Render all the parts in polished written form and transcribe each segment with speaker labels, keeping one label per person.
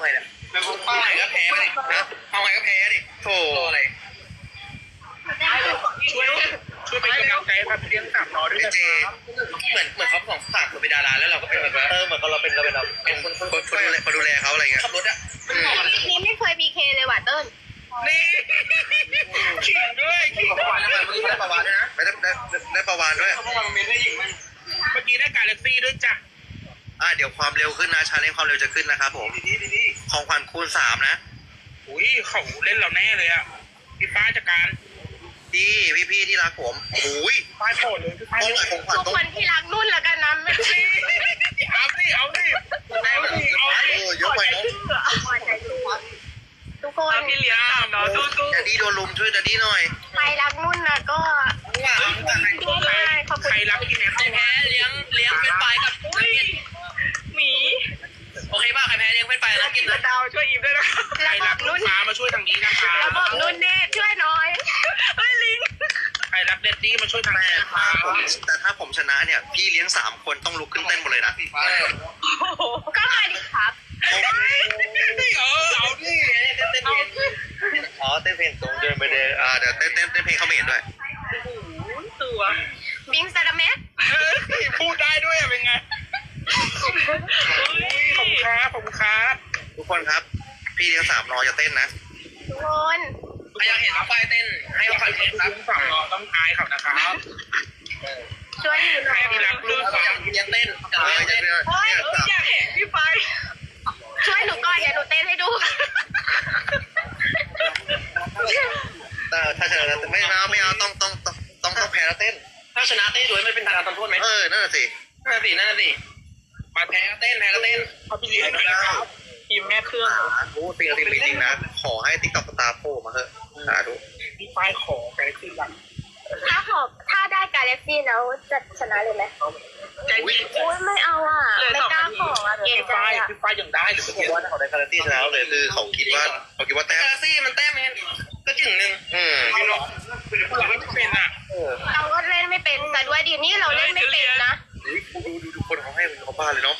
Speaker 1: ไงเนี่ยเอาไงก็แพ้ดินะเอาไงก็แพ้ดิโธ่อะไร
Speaker 2: ช่วยเป็นกำลังใจให้พี่เลี้ยง3ล้อด้วยนะ
Speaker 1: เจเหมือนเขาสองฝากเป็นดาราแล้วเราก็เป็นแบบเหมือนเราเป็นคนดูแลเขาอะไรเงี้ยขับรถอะ
Speaker 3: นี่ไม่เคยมีเคเลยว่ะเติ้ล
Speaker 2: นี่ขิงด้วยขิง
Speaker 1: ประวานด้วยนะได้ประวานด้วยนะได้ประวานด้วย
Speaker 2: เมื่อกี้ได้การเล็กซี่ด้วยจ้ะ
Speaker 1: เดี๋ยวความเร็วขึ้นนะชาเลนจ์ความเร็วจะขึ้นนะครับผมของขวัญคูณ3นะ
Speaker 2: อุ้ยเขาเล่นเราแน่เลยอ่ะพี่ป้าจัดการ
Speaker 1: พี่ที่รักผมอุ้ย
Speaker 2: ป้าโผล่เลยพี่ป้าเร็ว
Speaker 1: ของขวัญ
Speaker 3: ทุกคนที่รักนุ่นแล้วกันนะไม่ใช่
Speaker 2: เอาดิ
Speaker 1: เยอะไปเนาะ
Speaker 3: ทุกคน
Speaker 2: พี่เลี้ยงเนาะสู้
Speaker 1: ดัดดี้โดนลุมช่วยดัดดี้หน่อย
Speaker 3: ใครรักนุ่นนะก็ขอบคุณ
Speaker 2: ใครรักพี่แม็กซ์
Speaker 4: ใครแพ้เลี้ยงเป็นไปกับนักเก็ต
Speaker 2: หมี
Speaker 4: โอเคป่ะใครแพ้เลี้ยงเป็นไปนักเก็ตนะ
Speaker 2: ดาวช่วยอีฟด้วยนะใครรักลูกค้ามาช่วยทางนี้นะคะ
Speaker 3: ระบบนุ่นเน่ช่วยหน่อยเฮ้ยลิง
Speaker 2: ใครรักเดดดี้มาช่วยทางนี้นะคะ
Speaker 1: แต่ถ้าผมชนะเนี่ยพี่เลี้ยง3คนต้องลุกขึ้นเต้นหมดเลยนะ
Speaker 3: ก็มาดิครับ
Speaker 2: เอาดิ
Speaker 1: อ๋อเต้นเพลงตรงเดินไปเดินเดี๋ยวเต้นเพลงเขาเห็นด้วย
Speaker 2: ตัว
Speaker 3: บิงซาดาเมส
Speaker 2: พูดได้ด้วยเป็นไงขอบคุณครับ
Speaker 1: ทุกคนครับพี่เลี้ยง3รอจะเต้นนะ
Speaker 3: ทุกคน
Speaker 4: ใครอยากเห็นน้องไฟเต้นให้น้องไฟเต้นครับ
Speaker 2: ฝั่งรอต้องทายเขานะครับ
Speaker 3: ช่วยหนูห
Speaker 2: ใค
Speaker 3: น่
Speaker 2: ร
Speaker 3: อย
Speaker 2: ที่รักลูก
Speaker 4: อยากเลี้ยงเต้นกับเลี้ยงเต้น
Speaker 2: อยากเห็นพี่ไฟ
Speaker 3: ช่วยหนูก่อนเดี๋ยวหนูเต้นให้ดู
Speaker 1: ถ้าชนะไม่เอาต้องแพ้แล้วเต้น
Speaker 4: ถ้าชนะเต้นด้วยไม่เป็นการทำโทษไหม
Speaker 1: นั่นแหละสิ
Speaker 4: นั่นสิมาแพ้ก็เต้นแพ้ก็เต้น
Speaker 2: เขาพี่เลี้ยงหน่อยนะครับทีมแม่เครื่อง
Speaker 1: จริงนะขอให้ติ๊กต็อกตาโผล่มาเถอะดู
Speaker 2: พี่ไฟขอไปขึ้นหลัง
Speaker 3: ถ้าได้กาแล็กซี่แล้วจะชนะเลยไหมอุ้ยไม่เอาอ่ะไม่กล้าขออ่ะเกรง
Speaker 2: พี่
Speaker 3: ใจ
Speaker 2: ไฟ
Speaker 3: อ่ะ
Speaker 2: พี่ไฟยังได้หรือ
Speaker 1: ผมว่าเขาได้การันตีชนะเลยคือเขาคิดว่าแต้
Speaker 4: กาม ลาซี่มันแต้มเองก็จึงหนึ่ง
Speaker 2: ไม่หรอกเราไม่เป็นอ่ะ
Speaker 3: เราก็เล่นไม่เป็นแต่ด้วยดีนี่เราเล่นไม่เป็นนะ
Speaker 1: ดูคนเขาให้เขาบ้าเลยเนาะ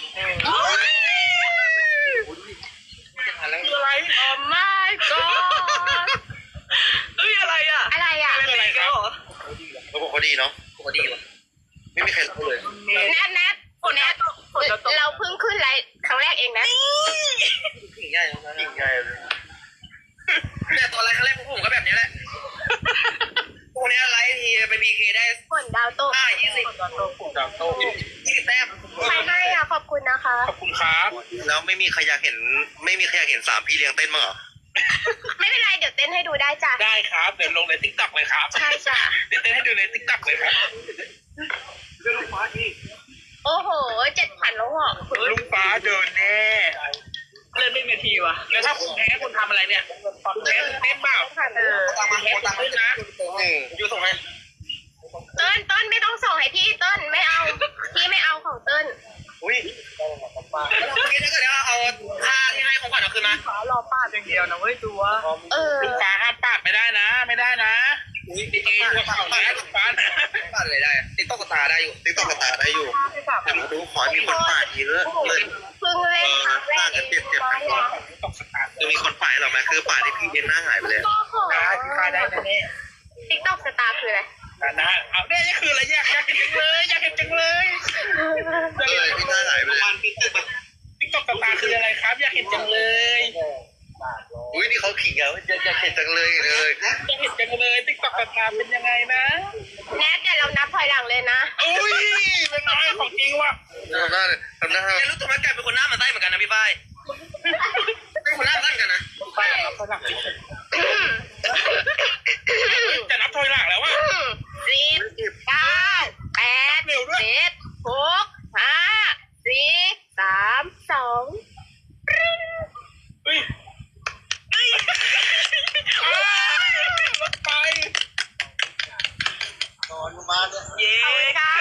Speaker 2: คืออะไร
Speaker 3: โอ้ my god
Speaker 2: อะไรอ่ะ
Speaker 3: อะไรอ่ะ
Speaker 2: เป็นอะไรครับ
Speaker 1: เขาบอกเขาดีเนาะเขาดีว่ะไม่มีใครรู้เลย
Speaker 3: แนทเราเพิ่งขึ้นไลฟ์ครั้งแรกเองนะ
Speaker 4: ถึงง่าย
Speaker 1: ยิ่งง่ายเลย
Speaker 4: แต่ตอนไลฟ์ครั้งแรกผมก็แบบนี้แหละพวกนี้ไลฟ์ทีไปพีเคได้
Speaker 3: ผลดาวโต
Speaker 4: 20
Speaker 2: ดาวโต้
Speaker 4: 20แต้ม
Speaker 3: ใครให้อ่ะขอบคุณนะคะ
Speaker 2: ขอบคุณครับ
Speaker 1: แล้วไม่มีใครอยากเห็น3พี่เลี้ยงเต้นมั้งเหรอ
Speaker 3: ไม่เป็นไรเดี๋ยวเต้นให้ดูได้จ้ะ
Speaker 2: ได้ครับเดี๋ยวลงในทิกตอกเลยครับ
Speaker 3: ใช่จ้ะ
Speaker 2: เดี๋ยวเต้นให้ดูในทิกตอกเลยครับ
Speaker 3: โอ้โห7,000แล้วเหรอ
Speaker 2: ลุงฟ้าเดินแน่เล่นไม่นาทีวะแล้วถ้าคุณแพ้คุณทำอะไรเนี่ยคุณแพ้คุณเต้นเปล่า
Speaker 4: ตามมา
Speaker 2: แพ้คุณเต้นนะ
Speaker 4: อยู่ส่งให้
Speaker 3: เติ้ลไม่ต้องส่งให้พี่เติ้ลไม่เอาพี่ไม่เอาของเติ้ล
Speaker 1: อุ้ย
Speaker 4: เมื่อกี้ถ้าเกิดว่าเอาท่าที่ให้ของขวัญเอาคืนมา
Speaker 2: ฟ้ารอป้าอย่างเดียวนะเว้ยตัว ลุงฟ้าห้ามปาดไม่ได้นะไม่ได้นะ
Speaker 4: ติ๊ก
Speaker 2: เอตัวเข่านะลุงฟ้านะ
Speaker 4: ต๊อกเลยได้ติ๊กต๊อกตาได้อยู่
Speaker 1: ติ๊กต็อกตาได้อยู่แต่มาดูขอมีคนป่าเยอะเลย
Speaker 3: เพิ่งเล่นครั้งแรกเอง
Speaker 2: ตกสตาร์ท
Speaker 1: จะมีคนป่าหรอไหมคือป่าที่พี่เลี้ยงหน้าหายไปเลย
Speaker 2: ได้พี่ฟ้าได้แน่
Speaker 3: ติ๊กต็อกสตาร์คืออะไร
Speaker 2: ๆนะเอาเนี่ยนี่คืออะไรอยากเห็นจังเลยอยากเห็นจังเลย
Speaker 1: พี่หน้าหายไปเลย
Speaker 2: ทิกตอกสตาร์คืออะไรครับอยากเห็นจังเลย
Speaker 1: อุ้ยนี่เขาขิงอะอยากเห็นจังเลย
Speaker 2: อยากเห็นจังเลยทิกตอกสตาร์เป็นยังไงนะ
Speaker 3: แนทเดี๋ยวเรานับถอยหลังเลยนะ
Speaker 2: อุ้ยเป็นไงของจริงว่ะ
Speaker 1: ทำหน้า
Speaker 4: แต่รู้ตัวไหมกลายเป็นคนหน้ามันไส้เหมือนกันนะพี่ฝ้ายเป็นคนหน้ามันไส้เหมือนกันนะ
Speaker 2: ไปนับถอยหลังจะนับถอยหลังแล้วว่ะ
Speaker 3: 10 9 8 7 6 5 4 3 2
Speaker 2: เฮ้ยรถไฟ
Speaker 1: นอนมาเนี่ย
Speaker 2: เย้
Speaker 3: ขอบคุณค่ะ